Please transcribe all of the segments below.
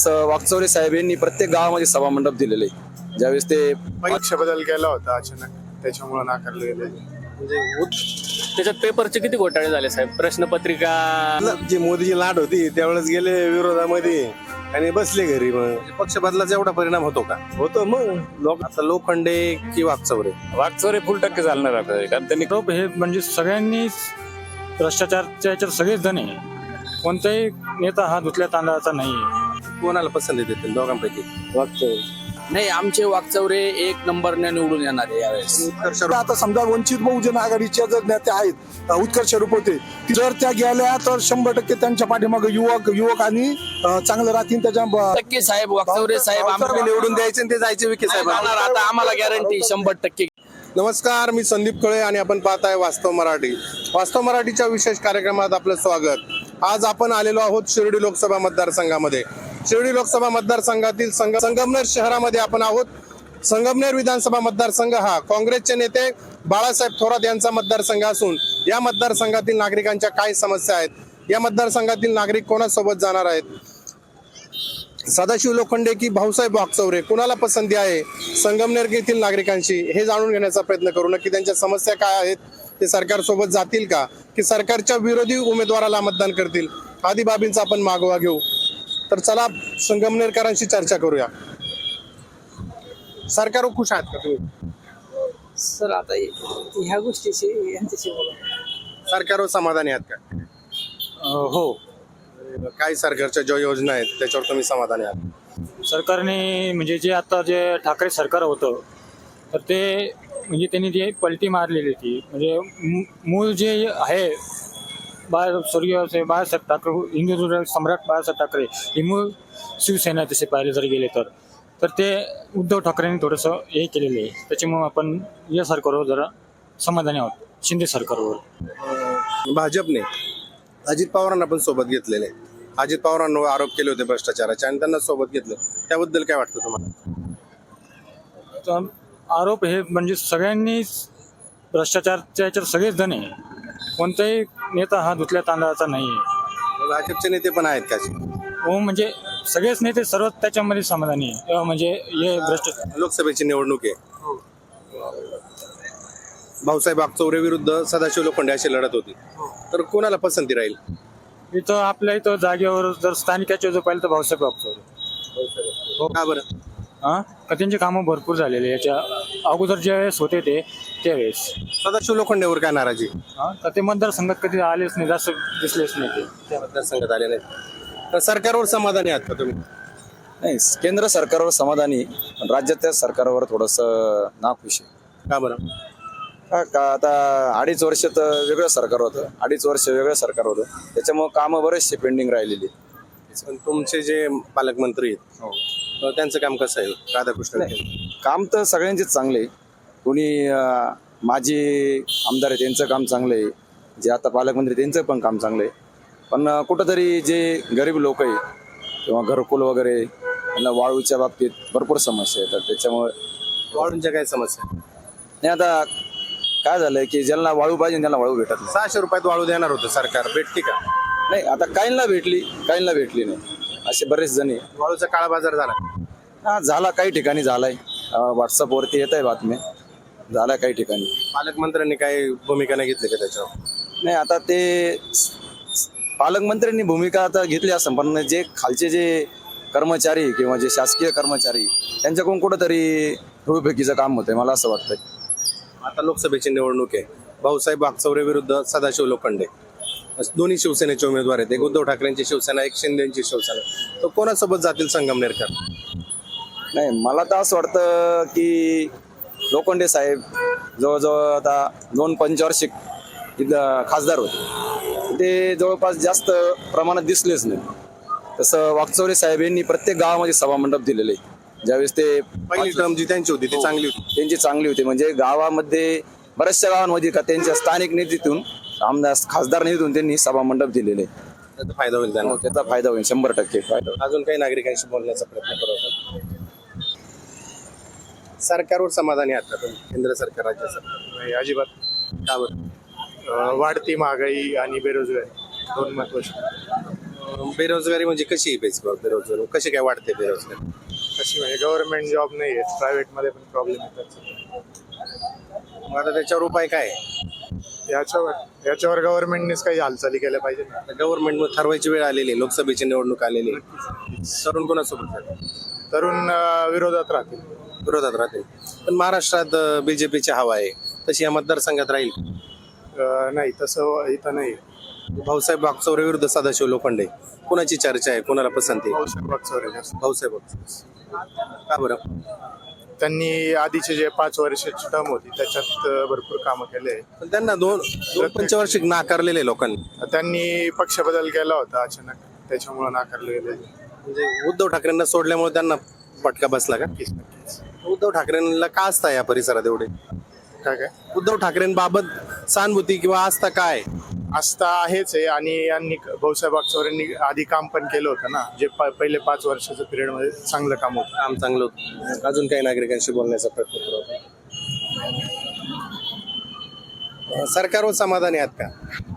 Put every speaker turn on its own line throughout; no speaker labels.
तसं वाकचौरे साहेब यांनी प्रत्येक गावामध्ये सभा मंडप दिलेले आहे. ज्यावेळेस ते
पक्ष बदल केला होता अचानक, त्याच्यामुळे नाकारले गेले.
त्याच्यात पेपरचे किती घोटाळे झाले साहेब? प्रश्नपत्रिका
जी मोदीची लाट होती त्यावेळेस गेले विरोधामध्ये आणि बसले घरी. मग
पक्ष बदलाचा एवढा परिणाम होतो का?
होतं मग
आता लोखंडे की वाकचौरे?
वाकचौरे फुल टक्के चालणार आपल्याला, कारण त्यांनी खूप हे म्हणजे सगळ्यांनी भ्रष्टाचारच्या याच्यात सगळेच जण आहे. कोणताही नेता हा धुतल्या तांदळाचा नाही.
कोणाला पसंती देतील दोघांपैकी?
नाही, आमचे वाकचौरे एक नंबरने निवडून येणार आहे यावेळेस.
आता समजा वंचित बहुजन आघाडीच्या जर नेते आहेत उत्कर्ष रुपवते, जर त्या गेल्या तर 100% त्यांच्या पाठीमागे युवक आणि चांगलं राहतील. त्याच्या
टक्के साहेब वाकचौरे साहेब आम्हाला
निवडून द्यायचे आणि ते जायचे विखे साहेब.
आता आम्हाला गॅरंटी 100%.
नमस्कार, मी संदीप कळे आणि आपण पाहत आहे वास्तव मराठी. वास्तव मराठीच्या विशेष कार्यक्रमात आपलं स्वागत. आज आपण आलेलो आहोत शिर्डी लोकसभा मतदारसंघामध्ये. शिर्डी लोकसभा मतदारसंघातील संगमनेर शहरामध्ये आपण आहोत. संगमनेर विधानसभा मतदारसंघ हा काँग्रेसचे नेते बाळासाहेब थोरात यांचा मतदारसंघ असून या मतदारसंघातील नागरिकांच्या काय समस्या आहेत, या मतदारसंघातील नागरिक कोणासोबत जाणार आहेत, सदाशिव लोखंडे की भाऊसाहेब वाकचौरे, कुणाला पसंती आहे संगमनेर येथील नागरिकांची, हे जाणून घेण्याचा प्रयत्न करू. नक्की त्यांच्या समस्या काय आहेत, ते सरकारसोबत जातील का की सरकारच्या विरोधी उमेदवाराला मतदान करतील, आदी बाबींचा आपण मागोवा घेऊ. तर चला संगमनेरकरांशी चर्चा करूया. सरकारवर खुश आहात का तुम्ही?
सर आता ह्या गोष्टीशी यांच्याशी बोला.
सरकारवर समाधानी आहात का?
हो,
काय सरकारच्या ज्या योजना आहेत त्याच्यावर तुम्ही समाधानी आहात?
सरकारने म्हणजे जे आता जे ठाकरे सरकार होतं तर ते म्हणजे त्यांनी जे पलटी मारलेली होती, म्हणजे मूळ जे आहे स्वर्गीय बाळासाहेब ठाकरे, हिंदू सम्राट बाळासाहेब ठाकरे ही मूळ शिवसेना तसे पाहिले जर गेले तर ते उद्धव ठाकरेंनी थोडंसं हे केलेलं आहे. त्याच्यामुळे आपण या सरकारवर जरा समाधानी आहोत, शिंदे सरकारवर.
भाजपने अजित पवारांना पण सोबत घेतलेले. अजित पवारांवर आरोप केले होते भ्रष्टाचाराचे आणि त्यांना सोबत घेतलं, त्याबद्दल काय वाटतं तुम्हाला?
तर आरोप हे म्हणजे सगळ्यांनी भ्रष्टाचारच्या याच्यात सगळेच जण आहे. कोणताही नेता हा धुतल्या तांदळाचा नाही आहे.
भाजपचे नेते पण आहेत का?
हो, म्हणजे सगळेच नेते सर्व त्याच्यामध्ये समाधानी आहे. म्हणजे हे भ्रष्टाचार
लोकसभेची निवडणूक आहे. भाऊसाहेब वाकचौरे विरुद्ध सदाशिव लोखंडे अशी लढत होती, तर कोणाला पसंती राहील?
इथं आपल्या इथं जागेवर जर स्थानिकाचे जो पाहिलं तर भाऊसाहेब वाकचौरे.
का बरं?
का त्यांची कामं भरपूर झालेली याच्या अगोदर ज्या वेळेस होते ते त्यावेळेस.
सदाशिव लोखंडेवर काय नाराजी?
तर ते मतदारसंघात कधी आलेच नाही, जास्त दिसलेच नाही ते.
त्या मतदारसंघात आले नाही. तर सरकारवर समाधानी आहात का तुम्ही?
नाही, केंद्र सरकारवर समाधानी, पण राज्याच्या सरकारवर थोडंसं नाखुश आहे.
का बरं?
का आता 2.5 वर्ष तर वेगळं सरकार होतं, 2.5 वर्ष वेगळं सरकार होतं, त्याच्यामुळे कामं बरेचसे पेंडिंग राहिलेली.
पण तुमचे जे पालकमंत्री आहेत त्यांचं काम कसं आहे? राधाकृष्ण
काम तर सगळ्यांचेच चांगले आहे. कोणी माजी आमदार आहे त्यांचं काम चांगलं आहे, जे आता पालकमंत्री त्यांचं पण काम चांगलं आहे. पण कुठंतरी जे गरीब लोक आहे किंवा घरकुल वगैरे त्यांना वाळूच्या बाबतीत भरपूर समस्या येतात. त्याच्यामुळे
वाळूंच्या काय समस्या?
नाही, आता काय झालंय की ज्यांना वाळू पाहिजे त्यांना वाळू भेटत नाही.
600 रुपयात वाळू देणार होतं सरकार, भेटते का?
नाही, आता काहींना भेटली नाही, असे बरेच जण आहे.
वाळूचा काळा बाजार झाला.
हा, झाला, काही ठिकाणी झालाय. व्हॉट्सअपवरती येत आहे बातम्या, झाला काही ठिकाणी.
पालकमंत्र्यांनी काही भूमिका नाही घेतली का त्याच्यावर?
नाही, आता ते पालकमंत्र्यांनी भूमिका आता घेतली असं, पण जे खालचे जे कर्मचारी किंवा जे शासकीय कर्मचारी त्यांच्याकडून कुठंतरी धुळफेकीचं काम होतंय, मला असं वाटतंय.
आता लोकसभेची निवडणूक आहे. भाऊसाहेब वाकचौरे विरुद्ध सदाशिव लोखंडे, दोन्ही शिवसेनेचे उमेदवार आहेत. एक उद्धव ठाकरेंची शिवसेना, एक शिंदेची शिवसेना. तो कोणासोबत जातील संगमनेरकर?
नाही, मला तर असं वाटतं की लोखंडे साहेब जवळजवळ आता 2 पंचवार्षिक खासदार होते, ते जवळपास जास्त प्रमाणात दिसलेच नाही. तसं वाकचौरे साहेब यांनी प्रत्येक गावामध्ये सभा मंडप दिलेले. ज्यावेळेस ते
पहिली टर्म जी त्यांची होती ती चांगली होती.
त्यांची चांगली होती, म्हणजे गावामध्ये बऱ्याचशा गावांमध्ये का त्यांच्या स्थानिक निधीतून, आमदार खासदार निधीतून त्यांनी सभा मंडप दिलेले.
त्याचा फायदा होईल त्यांना.
त्याचा फायदा होईल, 100% फायदा होईल.
अजून काही नागरिकांशी बोलण्याचा प्रयत्न करू आपण. सरकारवर समाधानी आहात का तुम्ही? केंद्र सरकार, राज्य सरकार?
नाही, अजिबात.
का बरं?
वाढती महागाई आणि बेरोजगारी 2 महत्वाचे.
बेरोजगारी म्हणजे कशी आहे बेरोजगारी कशी काय वाढते बेरोजगारी?
अशी म्हणजे गव्हर्नमेंट जॉब नाही आहे, प्रायव्हेट मध्ये पण प्रॉब्लेम येतात.
मग आता त्याच्यावर उपाय काय आहे?
याच्यावर गव्हर्नमेंटनेच काही हालचाली केल्या पाहिजे ना.
गव्हर्नमेंट ठरवायची वेळ आलेली आहे, लोकसभेची निवडणूक आलेली आहे. तरुण कोणासोबत जातील?
तरुण विरोधात राहतील.
विरोधात राहतील. पण महाराष्ट्रात बीजेपीची हवा आहे, तशी या मतदारसंघात राहील.
नाही तसं इथं नाही.
भाऊसाहेब वागचौरे विरुद्ध सदाशिव लोखंडे, कोणाची चर्चा आहे, कोणाला पसंती आहे?
भाऊसाहेब वागचौरे जास्त.
भाऊसाहेब वागचौरे. का बरं?
त्यांनी आधीचे जे 5 वर्षाची टर्म होती त्याच्यात भरपूर कामं केले.
पण त्यांना दोन पंचवार्षिक नाकारलेले लोकांनी.
त्यांनी पक्ष बदल केला होता अचानक, त्याच्यामुळे नाकारले गेले.
म्हणजे उद्धव ठाकरेंना सोडल्यामुळे त्यांना फटका बसला का? उद्धव ठाकरेंना का आस्था या परिसरात एवढे?
काय
उद्धव ठाकरेंबाबत सहानुभूती किंवा आस्था काय?
आस्था आहेच आहे. आणि यांनी भाऊसाहेब वागचौरेंनी आधी काम पण केलं होतं ना, जे पहिले 5 वर्षाच्या पिरियड मध्ये चांगलं काम होतं.
काम चांगलं होतं. अजून काही नागरिकांशी बोलण्याचा प्रयत्न करू आपण. सरकारवर समाधानी आहात का?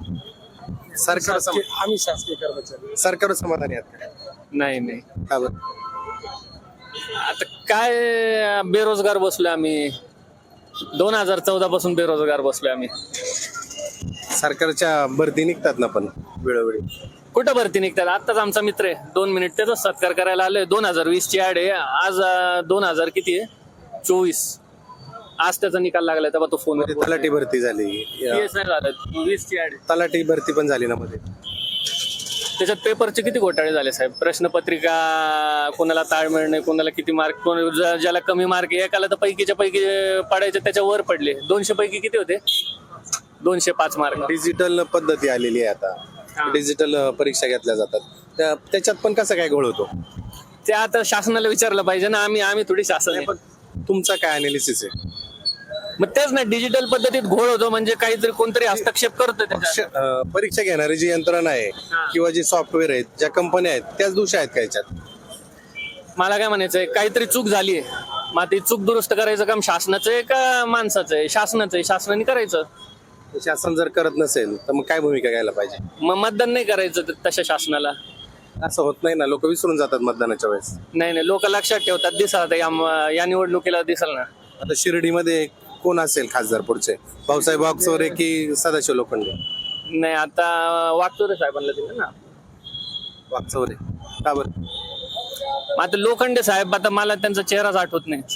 आम्ही शासकीय कर्मचारी.
सरकारवर समाधानी आहात का?
नाही.
का बरं?
आता काय बेरोजगार बसलोय आम्ही. 2014 पासून बेरोजगार बसलोय आम्ही.
सरकारच्या भरती निघतात ना पण वेळोवेळी.
कुठं भरती निघतात? आत्ताच आमचा मित्र आहे, 2 मिनिट त्याचा सत्कार करायला आलोय. 2020 ची ऍड आहे. आज 2000 किती आहे? 24. आज त्याचा निकाल लागलाय तेव्हा तो फोन
तलाठी भरती झाली,
नाही झालं. 20 ची ऍड आहे.
तलाठी भरती पण झाली ना मध्ये.
त्याच्यात पेपरचे किती घोटाळे झाले साहेब. प्रश्नपत्रिका कोणाला ताळमेळ नाही, कोणाला किती मार्क, ज्याला कमी मार्क, एकाला तर पैकीच्या पैकी पडायचे त्याच्या वर पडले. 200 पैकी किती होते? 205 मार्क.
डिजिटल पद्धती आलेली आहे आता, डिजिटल परीक्षा घेतल्या जातात. त्याच्यात पण कसं काय घोळ होतो?
ते आता शासनाला विचारलं पाहिजे ना. आम्ही थोडी शासन आहे.
तुमचा काय अनालिसिस आहे?
मग तेच ना, डिजिटल पद्धतीत घोळ होतो म्हणजे काहीतरी कोणतरी हस्तक्षेप करतो त्याच्यात.
परीक्षा घेणारी जी यंत्रणा आहे किंवा जे सॉफ्टवेअर आहेत, ज्या कंपन्या आहेत, त्याच दोषी आहेत का याच्यात?
मला काय म्हणायचंय, काहीतरी चूक झाली आहे, मग ती चूक दुरुस्त करायचं काम शासनाचं आहे का माणसाचं आहे? शासनाचं आहे, शासनाने करायचं.
शासन जर करत नसेल तर मग काय भूमिका घ्यायला पाहिजे?
मग मतदान नाही करायचं तशा शासनाला.
असं होत नाही ना, लोक विसरून जातात मतदानाच्या वेळेस.
नाही, लोक लक्षात ठेवतात. दिसाल या निवडणुकीला दिसाल ना.
आता शिर्डीमध्ये कोण असेल खासदार पुढचे? भाऊसाहेब वागचौरे की सदाशिव लोखंडे?
नाही, आता वागचौरे साहेबांना दिलं ना.
वागचौरे का बरं?
मग आता लोखंडे साहेब, आता मला त्यांचा चेहराच आठवत नाही.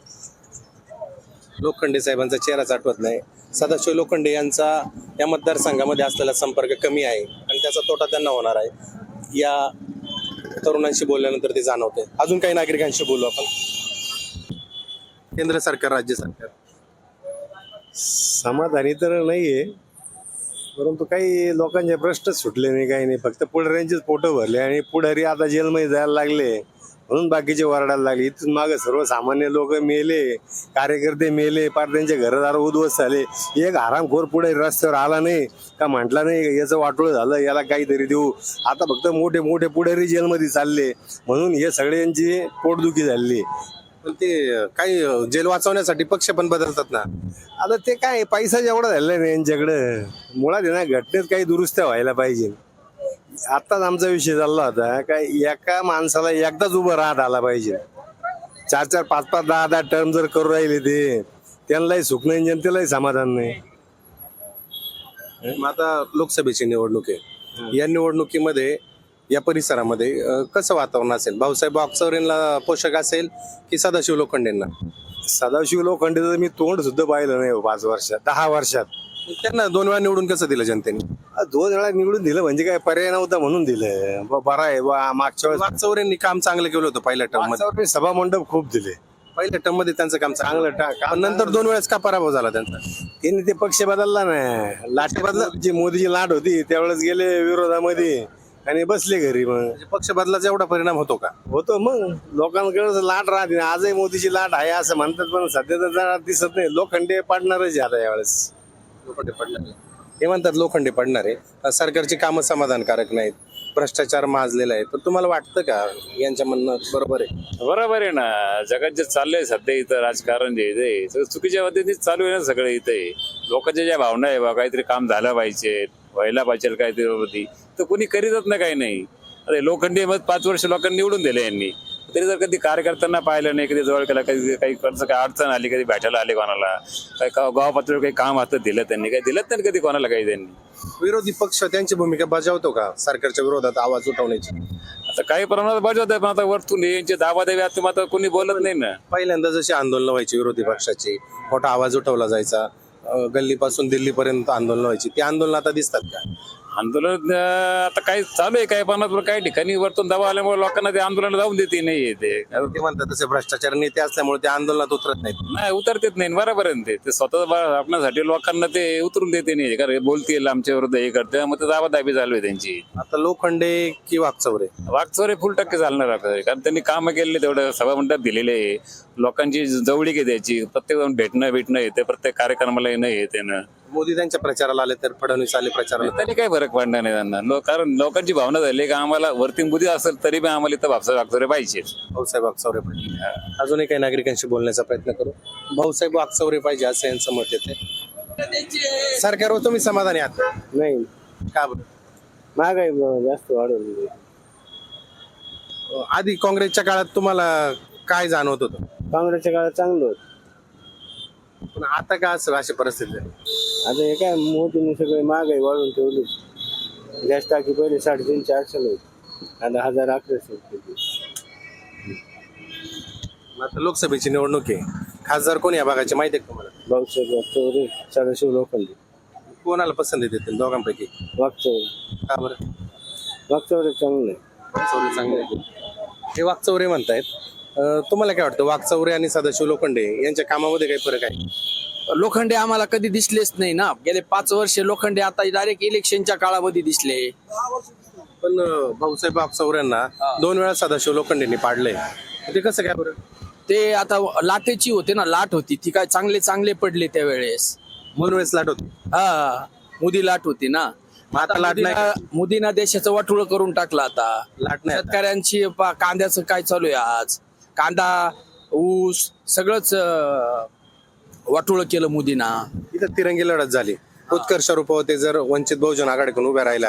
लोखंडे साहेबांचा चेहराच आठवत नाही. सदाशिव लोखंडे यांचा या मतदारसंघामध्ये असलेला संपर्क कमी आहे आणि त्याचा तोटा त्यांना होणार आहे. या तरुणांशी बोलल्यानंतर ते जाणवते. अजून काही नागरिकांशी बोलू आपण. केंद्र सरकार, राज्य सरकार
समाधानी तर नाहीये, परंतु काही लोकांचे प्रश्नच सुटले नाही, काही नाही. फक्त पुढाऱ्यांचेच फोटो भरले आणि पुढारी आता जेलमध्ये जायला लागले म्हणून बाकीचे वरडायला लागले. इथून मागे सर्वसामान्य लोक मेले, कार्यकर्ते मेले, पार त्यांचे घरदार उद्ध्वस्त झाले. एक हरामखोर पुढे रस्त्यावर आला नाही का म्हटला नाही याचं वाटोळं झालं, याला काहीतरी देऊ. आता फक्त मोठे मोठे पुढारी जेलमध्ये चालले म्हणून हे सगळ्यांची पोटदुखी झाली.
पण ते काही जेल वाचवण्यासाठी पक्ष पण बदलतात ना.
आता ते काय पैसा जेवढा झालेला नाही यांच्याकडं, मुळात आहे ना घटनेत काही दुरुस्त्या व्हायला पाहिजे. आत्ताच आमचा विषय चालला होता काय एका माणसाला एकदाच उभं राहत आला पाहिजे. 4-4, 5-5, 10-10 टर्म जर करू राहिले ते त्यांनाही सुख नाही, जनतेलाही समाधान नाही.
मग आता लोकसभेची निवडणूक आहे, या निवडणुकीमध्ये या परिसरामध्ये कसं वातावरण असेल? भाऊसाहेब वागचौरेंना पोषक असेल की सदाशिव लोखंडेंना?
सदाशिव लोखंडेचं मी तोंड सुद्धा पाहिलं नाही 5 वर्षात, 10 वर्षात.
त्यांना 2 वेळा निवडून कसं दिलं जनतेने?
2 वेळा निवडून दिलं म्हणजे काय पर्याय नव्हता म्हणून दिलं. बरं आहे बा. मागच्या वेळेस
वागचौरेंनी काम चांगलं केलं होतं पहिल्या टर्म मध्ये.
वागचौरे सभा मंडप खूप दिले.
पहिल्या टर्म मध्ये त्यांचं काम
चांगलं
चांगलं. नंतर 2 वेळेस का पराभव झाला त्यांचा?
त्यांनी ते पक्ष बदलला ना. लाट बदला जी मोदीची लाट होती त्यावेळेस गेले विरोधामध्ये आणि बसले घरी. मग
म्हणजे पक्ष बदलाचा एवढा परिणाम होतो का?
होतो मग. लोकांकडे लाट राहते. आजही मोदीची लाट आहे असं म्हणतात, पण सध्या तर जरा दिसत नाही. लोखंडे पडणारच आता यावेळेस.
लोखंडे पडणार हे म्हणतात, लोखंडे पडणार आहे. सरकारची कामं समाधानकारक नाहीत, भ्रष्टाचार माजलेला आहे. पण तुम्हाला वाटतं का यांच्या म्हणणं बरोबर आहे?
बरोबर आहे ना. जगात जे चाललंय सध्या इथं राजकारण जे आहे सगळं चुकीच्या पद्धतीने चालू आहे ना. सगळं इथे लोकांच्या ज्या भावना आहे बा, काहीतरी काम झालं पाहिजे, व्हायला पाहिजे काहीतरी, तर कोणी करीतच ना काही नाही. आता हे लोखंडी मग 5 वर्ष लोकांनी निवडून दिले यांनी, तरी जर कधी कार्यकर्त्यांना पाहिलं नाही, कधी जवळ केला, कधी काही काही अडचण आली, कधी भेटायला आले कोणाला, काही गाव पातळीवर काही काम हातात दिलं त्यांनी, काही दिलं नाही कधी कोणाला काही त्यांनी.
विरोधी पक्ष त्यांची भूमिका बजावतो का सरकारच्या विरोधात आवाज उठवण्याची?
आता काही प्रमाणात बजावत आहे, पण आता वरतून यांचे दाबादाबी आता आता कोणी बोलत नाही ना.
पहिल्यांदा जशी आंदोलनं व्हायची विरोधी पक्षाची, मोठा आवाज उठवला जायचा, गल्लीपासून दिल्लीपर्यंत आंदोलनं व्हायची, ती आंदोलनं आता दिसतात का?
आंदोलन आता काही चालू आहे, काही प्रमाणात काही ठिकाणी वरतून दबाव आल्यामुळे लोकांना ते आंदोलन जाऊन देते नाही ते.
ते म्हणतात तसे भ्रष्टाचार नेते असल्यामुळे ते आंदोलनात उतरत नाहीत.
नाही उतरतेच नाही, बरोबर आहे ते स्वतः आपल्यासाठी लोकांना ते उतरून देते नाही, कारण बोलतील आमच्या विरुद्ध हे करते, मग ते दाबादाबी चालू आहे त्यांची.
आता लोखंडे की वाकचौरे?
वागचोरे फुल टक्के चालणार आपल्याला, कारण त्यांनी कामं केलेले, तेवढं सभा मंडप दिलेले आहे, लोकांची जवळीक आहे त्याची, प्रत्येक जाऊन भेटणं येते, प्रत्येक कार्यक्रमाला येणं येते ना.
मोदी त्यांच्या प्रचाराला आले तर फडणवीस आले प्रचाराला,
तरी काही फरक पडणार नाही त्यांना, कारण लोकांची भावना झाली का आम्हाला वरती बुद्धी असेल तरी पण आम्हाला इथं वागचोरे पाहिजे.
भाऊसाहेब वाकचौरे पाहिजे. अजूनही काही नागरिकांशी बोलण्याचा प्रयत्न करू. भाऊसाहेब वाकचौरे पाहिजे असं यांचं मत येते. सरकारवर तुम्ही समाधानी आहात?
नाही,
का बरं?
महागाई जास्त वाढवली.
आधी काँग्रेसच्या काळात तुम्हाला काय जाणवत होतं?
काँग्रेसच्या काळात चांगलं होतं.
पण आता का असं अशी परिस्थिती आहे?
आता हे काय मोदीने सगळे महागाई वाढवून ठेवली. गॅस टाकी पहिले 350-400 होती, आता 1000-1100 होती.
आता लोकसभेची निवडणूक आहे, खासदार कोण या भागाचे माहिती आहे का तुम्हाला?
भाऊसाहेब वागचौरे, सदाशिव लोखंडे.
कोणाला पसंती देतील दोघांपैकी?
वागचौरे.
का बरं?
वागचौरे चांगलं आहे.
वाकचौरे चांगले आहे. हे वाकचौरे म्हणतायत. तुम्हाला काय वाटतं, वाकचौरे आणि सदाशिव लोखंडे यांच्या कामामध्ये काही फरक आहे?
लोखंडे आम्हाला कधी दिसलेच नाही ना, गेले 5 वर्ष लोखंडे आता डायरेक्ट इलेक्शनच्या काळामध्ये दिसले.
पण भाऊसाहेब वाकचौऱ्यांना 2 वेळा सदाशिव लोखंडेंनी पाडलंय, ते कसं काय बरं?
ते आता लाटेची होते ना, लाट होती ती, काय चांगले पडले त्यावेळेस.
2 वेळेस लाट होती.
हा, मोदी लाट होती ना.
आता लाट नाही.
मोदीनं देशाचं वाटोळ करून टाकलं. आता
लाट नाही आता.
शेतकऱ्यांची कांद्याचं काय चालू आहे आज, कांदा ऊस सगळंच वाटोळ केलं मोदीना.
इथं तिरंगी लढत झाली. उत्कर्ष रूपवते जर वंचित बहुजन आघाडीकडून उभ्या राहिला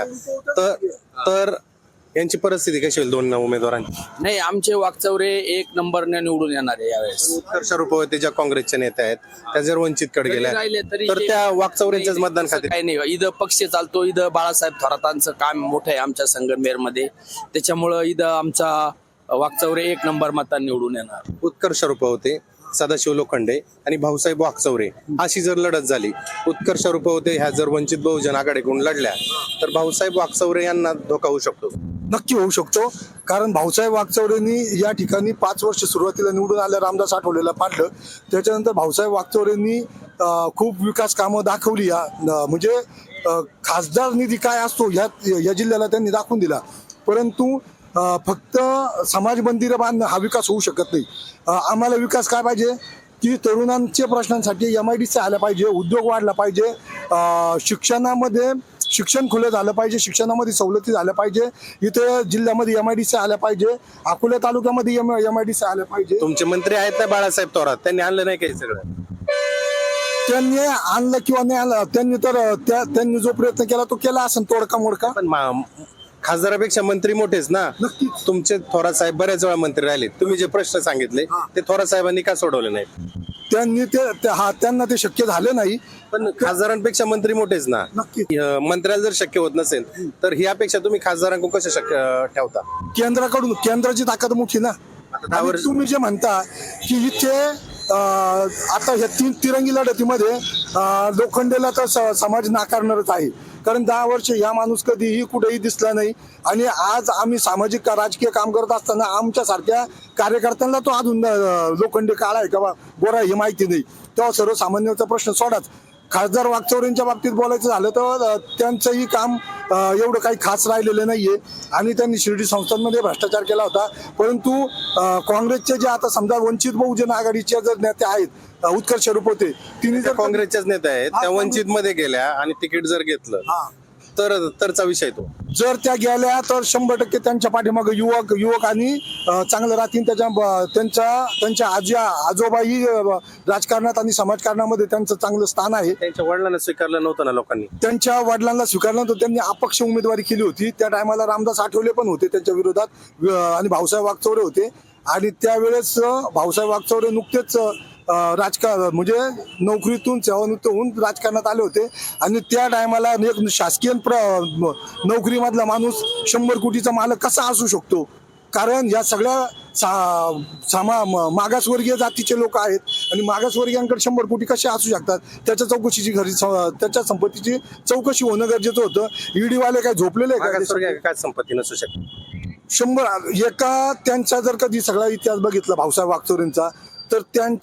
तर यांची परिस्थिती कशी होईल 2 उमेदवारांची?
नाही, आमचे वाकचौरे 1 नंबरने निवडून येणार आहे यावेळेस.
उत्कर्ष रूपवते ज्या काँग्रेसच्या नेत्या आहेत त्या जर वंचितकडे गेल्या
राहिले तरी
तर
ते-
त्या वाकचौऱ्यांच्याच मतदान खाते.
काही नाही, इथं पक्ष चालतो, इथं बाळासाहेब थोरातांचं काम मोठं आहे आमच्या संगमनेरमध्ये, त्याच्यामुळं इथं आमचा वाकचौरे 1 नंबर मतांनी निवडून येणार.
उत्कर्ष रूपवते, सदाशिव लोखंडे आणि भाऊसाहेब वाकचौरे अशी जर लढत झाली, उत्कर्ष रूपवते ह्या जर वंचित बहुजन आघाडीकडून लढल्या तर भाऊसाहेब वाकचौरे यांना धोका होऊ शकतो.
नक्की होऊ शकतो. कारण भाऊसाहेब वागचौरेंनी या ठिकाणी 5 वर्ष सुरुवातीला निवडून आल्या रामदास आठवलेला पाडलं. त्याच्यानंतर भाऊसाहेब वागचौरेंनी खूप विकास कामं दाखवली. म्हणजे खासदार निधी काय असतो या जिल्ह्याला त्यांनी दाखवून दिला. परंतु फक्त समाज मंदिरं बांधणं हा विकास होऊ शकत नाही. आम्हाला विकास काय पाहिजे की तरुणांच्या प्रश्नांसाठी MIDC आल्या पाहिजे, उद्योग वाढला पाहिजे, शिक्षणामध्ये शिक्षण खुलं झालं पाहिजे, शिक्षणामध्ये सवलती झाल्या पाहिजे, इथे जिल्ह्यामध्ये MIDC आल्या पाहिजे, अकोला तालुक्यामध्ये MIDC आल्या पाहिजे.
तुमचे मंत्री आहेत ना बाळासाहेब थोरात, त्यांनी आणलं नाही काही सगळं?
त्यांनी आणलं किंवा नाही आणलं, त्यांनी जो प्रयत्न केला तो केला असेल तोडका मोडका.
पण खासदारापेक्षा मंत्री मोठेच ना.
नक्कीच.
तुमचे थोरात साहेब बऱ्याच वेळा मंत्री राहिले. तुम्ही जे प्रश्न सांगितले ते थोरात साहेबांनी का सोडवले नाहीत?
त्यांनी त्यांना ते शक्य झालं नाही.
पण खासदारांपेक्षा मंत्री मोठेच ना.
नक्की.
मंत्र्याला जर शक्य होत नसेल तर ह्यापेक्षा तुम्ही खासदारांकडून कसं शक्य ठेवता?
केंद्राची ताकद मोठी ना.
आता
आणि तुम्ही जे म्हणता की इथे आता ह्या 3 तिरंगी लढतीमध्ये लोखंडेला तर समाज नाकारणारच आहे. कारण 10 वर्ष या माणूस कधीही कुठेही दिसला नाही. आणि आज आम्ही सामाजिक राजकीय काम करत असताना आमच्यासारख्या कार्यकर्त्यांना तो अजून लोखंडे काळा आहे का गोरा हे माहिती नाही. तेव्हा सर्वसामान्यांचा प्रश्न सोडाच. खासदार वागचौरेंच्या बाबतीत बोलायचं झालं तर त्यांचंही काम एवढं काही खास राहिलेलं नाहीये. आणि त्यांनी शिर्डी संस्थांमध्ये भ्रष्टाचार केला होता. परंतु काँग्रेसचे जे आता समजा वंचित बहुजन आघाडीचे जर नेते आहेत उत्कर्ष रूपवते, तिने जर
काँग्रेसच्याच नेत्या आहेत त्या वंचित मध्ये गेल्या आणि तिकीट जर घेतलं तरचा विषय तो.
जर त्या गेल्या तर 100% त्यांच्या पाठीमागे युवक आणि चांगलं राहतील. त्यांच्या आजोबाही राजकारणात आणि समाजकारणामध्ये त्यांचं चांगलं स्थान आहे.
त्यांच्या वडिलांना स्वीकारलं नव्हतं ना लोकांनी.
त्यांच्या वडिलांना स्वीकारलं नव्हतं. त्यांनी अपक्ष उमेदवारी केली होती. त्या टायमाला रामदास आठवले पण होते त्यांच्या विरोधात आणि भाऊसाहेब वागचौरे होते. आणि त्यावेळेस भाऊसाहेब वागचौरे नुकतेच राजकारण म्हणजे नोकरीतून सेवानिवृत्त होऊन राजकारणात आले होते. आणि त्या टायमाला एक शासकीय नोकरीमधला माणूस 100 कोटीचा मालक कसा असू शकतो? कारण या सगळ्या मागासवर्गीय जातीचे लोक आहेत आणि मागासवर्गीयांकडे 100 कोटी कसे असू शकतात? त्याच्या चौकशीची त्याच्या संपत्तीची चौकशी होणं गरजेचं होतं. ईडी वाले काय झोपलेले आहे
काय संपत्ती नसू शकते?
100 एका त्यांचा जर कधी सगळा इतिहास बघितला भाऊसाहेब वागचौरेंचा तर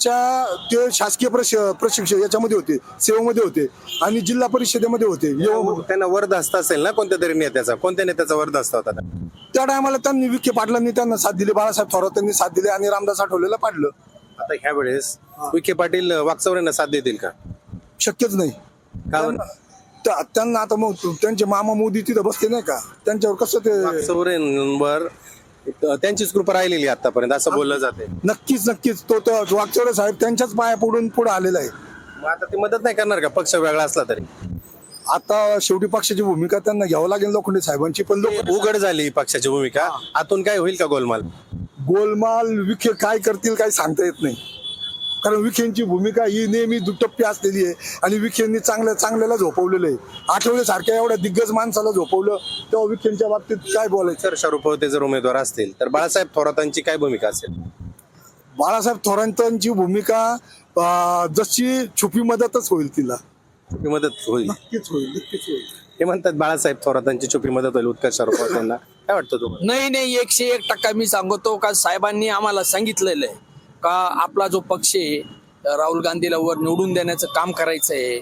ते शासकीय प्रशिक्षक याच्यामध्ये होते, सेवेमध्ये होते आणि जिल्हा परिषदेमध्ये होते.
त्यांना वरदहस्त असेल ना कोणत्या तरी नेत्याचा. कोणत्या नेत्याचा वरदहस्त होता?
त्या टायमाला त्यांनी विखे पाटलांनी त्यांना साथ दिली, बाळासाहेब थोरात यांनी साथ दिली आणि रामदास आठवलेला पाडलं.
आता ह्या वेळेस विखे पाटील वागचौरेंना साथ देतील का?
शक्यच नाही.
कारण
त्यांना आता मग त्यांचे मामा मोदी तिथं बसले नाही का, त्यांच्यावर कसं ते
वागचौरेंवर त्यांचीच कृपा राहिलेली आतापर्यंत असं बोललं जाते.
नक्कीच तो वागचौरे साहेब त्यांच्याच पाया पडून पुढे आलेला आहे.
मग आता ते मदत नाही करणार का पक्ष वेगळा असला तरी?
आता शेवटी पक्षाची भूमिका त्यांना घ्यावं लागेल लोखंडे साहेबांची. पण लोक
उघड झाली पक्षाची भूमिका. आतून काय होईल का
गोलमाल विखे काय करतील काही सांगता येत नाही. कारण विखेंची भूमिका ही नेहमी दुटप्पी असलेली आहे आणि विखेंनी चांगल्याला झोपवलेलं आहे. आठवले सारख्या एवढ्या दिग्गज माणसाला झोपवलं तेव्हा विखेंच्या बाबतीत काय बोलायचं?
तर शरुपवते जर उमेदवार असतील तर बाळासाहेब थोरातांची काय भूमिका असेल?
बाळासाहेब थोरातांची भूमिका जशी छुपी मदतच होईल तिला.
छुपी मदत होईल?
नक्कीच होईल.
ते म्हणतात बाळासाहेब थोरातांची छुपी मदत होईल उत्कर्ष शरुपवतेंना. काय वाटतं तुम्हाला?
नाही 101% मी सांगतो का साहेबांनी आम्हाला सांगितलेलं आहे का आपला जो पक्ष आहे राहुल गांधीला वर निवडून देण्याचं काम करायचं आहे.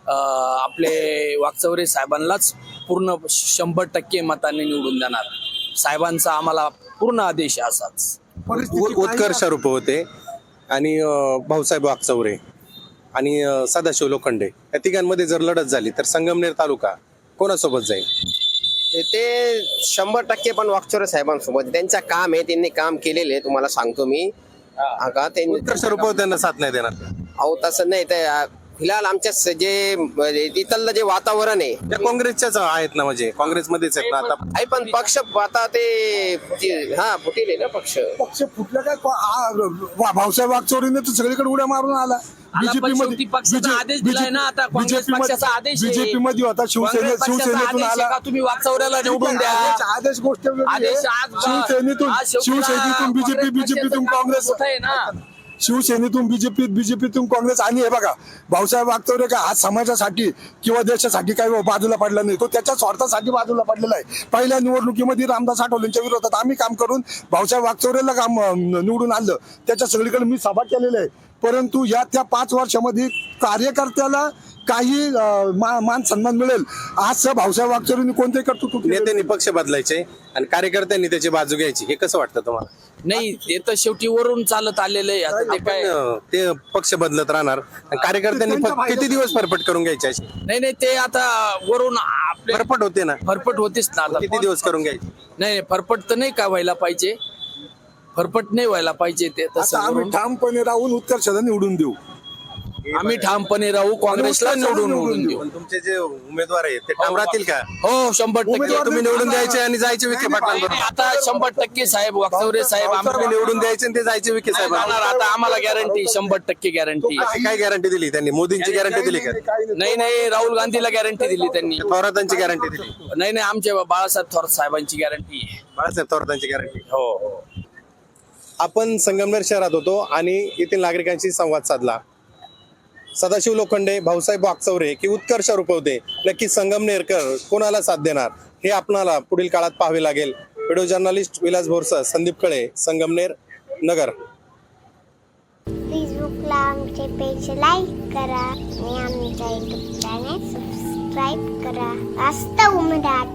आपले वागचौरे साहेबांनाच पूर्ण 100% मतांनी निवडून देणार. साहेबांचा आम्हाला पूर्ण आदेश आहे असाच.
उत्कर्ष शरुपवते आणि भाऊसाहेब वागचौरे आणि सदाशिव लोखंडे या तिघांमध्ये जर लढत झाली तर संगमनेर तालुका कोणासोबत जाईल?
ते 100% पण वागचौरे साहेबांसोबत त्यांचं काम आहे. त्यांनी काम केलेलं आहे तुम्हाला सांगतो मी.
उत्कर्ष शरुपवतेंना साथ नाही देणार?
अहो तसं नाही. ते फिलहाल आमच्या जे इथलं जे वातावरण आहे
त्या काँग्रेसच्याच आहेत ना, म्हणजे काँग्रेसमध्येच आहेत ना आता.
आहे पण पक्ष आता ते फुटेल आहे ना पक्ष
फुटलं काय? भाऊसाहेब वागचौरेने तर सगळीकडे उड्या मारून आला. बीजेपी मध्ये होता. शिवसेनेतून आला.
तुम्ही वागचौऱ्याला निवडून द्या.
आदेश गोष्ट शिवसेनेतून बीजेपीतून काँग्रेस, शिवसेनेतून बीजेपीतून काँग्रेस. आणि हे बघा भाऊसाहेब वागचौरे का आज समाजासाठी किंवा देशासाठी काही बाजूला पडला नाही. तो त्याच्या स्वार्थासाठी बाजूला पडलेला आहे. पहिल्या निवडणुकीमध्ये रामदास आठवलेंच्या विरोधात आम्ही काम करून भाऊसाहेब वागचौरेला काम निवडून आणलं. त्याच्या सगळीकडे मी सभा केलेला आहे. परंतु त्या 5 वर्षामध्ये कार्यकर्त्याला काही मान सन्मान मिळेल आज भाऊसाहेब वागचौरेंनी कोणते कर्तृत्व?
नेत्यांनी पक्ष बदलायचे आणि कार्यकर्त्यांनी त्याची बाजू घ्यायची. हे कसं वाटतं तुम्हाला?
नाही ते तर शेवटी वरून चालत आलेलं आहे. आता ते काय
ते पक्ष बदलत राहणार आणि कार्यकर्त्यांनी किती दिवस फरफट करून घ्यायची अशी?
नाही ते आता वरून आपले
फरफट होते ना.
फरफट होतीच ना. आता
किती दिवस करून घ्यायची?
नाही फरफट तर नाही का व्हायला पाहिजे. फरफट नाही व्हायला पाहिजे. ते तसं
आम्ही ठामपणे राहून उत्कर्षाला निवडून देऊ.
आम्ही ठामपणे राहू. काँग्रेसला निवडून देऊ.
पण तुमचे जे उमेदवार आहेत ते ठाम राहतील का?
हो 100%
तुम्ही निवडून द्यायचे आणि जायचे विखे पाटलांबरोबर.
आता 100% साहेब वागचौरे साहेब
तुम्ही निवडून द्यायचे आणि ते जायचे विखे साहेब.
आता आम्हाला गॅरंटी 100% गॅरंटी.
काय गॅरंटी दिली त्यांनी? मोदींची गॅरंटी दिली का?
नाही राहुल गांधीला गॅरंटी दिली त्यांनी.
थोरातांची गॅरंटी दिली?
नाही आमच्या बाळासाहेब थोरात साहेबांची गॅरंटी आहे.
बाळासाहेब थोरातांची गॅरंटी.
हो.
आपण संगमनेर शहरात होतो आणि येथील नागरिकांशी संवाद साधला. सदाशिव लोखंडे, भाऊसाहेब वागचौरे की उत्कर्ष शरुपवते नक्की संगमनेरकर कोणाला साथ देणार हे आपणाला पुढील काळात पाहावे लागेल. व्हिडिओ जर्नलिस्ट विलास भोरसह संदीप कळे, संगमनेर, नगर.
फेसबुकला आमचे पेज लाईक करा आणि आमच्या युट्यूब चॅनेल सबस्क्राईब करा. वास्तव मराठी.